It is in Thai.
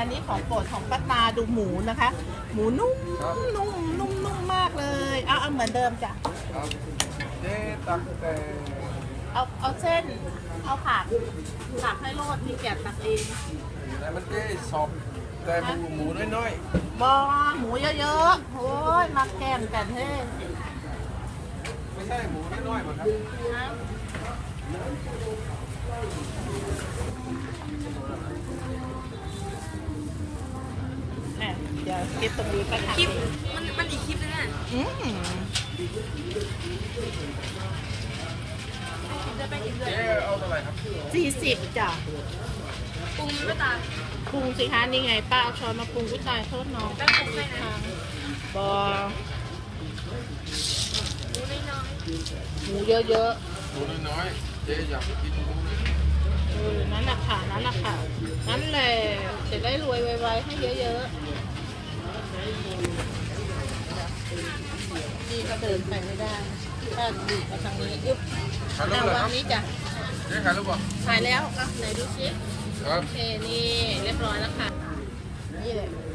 อันนี้ของโปรดของป้าตาดูหมูนะคะ หมูนุ่มนุ่มนุ่มนุ่มมากเลยเอาเหมือนเดิมจ้ะครับเจ๊ตักแต่เอาเส้นเอาผักให้โรดมีแกะตักเองแต่มันเจ๊สอบแต่หมูน้อยบอหมูเยอะๆโอ้ยมาแกงกันเฮ้ๆไม่ใช่หมูน้อยๆมั้งครับนะเดี๋ยวคลิปตรงนี้ไปค่ะคลิปมันอีกคลิปนึงอ่ะ จะไปอีกเลยเจ๊เอาเท่าไหร่ครับ 40จ้ะปรุงไม่ตามปรุงสิคะนี่ไงป้าเอาช้อนมาปรุงกุ้ยตายโทษน้องแป้งปรุงให้นะบอหมูน้อยหมูเยอะหมูน้อยๆเจ๊อยากกินหมูเลยๆนั่นแหละค่ะนั่นแหละค่ะนั่นแหละจะได้รวยไวๆให้เยอะๆดีก็เดินไปไม่ได้ถ้าดีมาทางนี้ยุบขายรูเอาปเหรอวาคงรับนี้จ้ะเจ๊ขายรูปป่ะถ่ายแล้วอ่ะไหนดูซิครับโอเคนี่เรียบร้อยแล้วค่ะนี่แหละ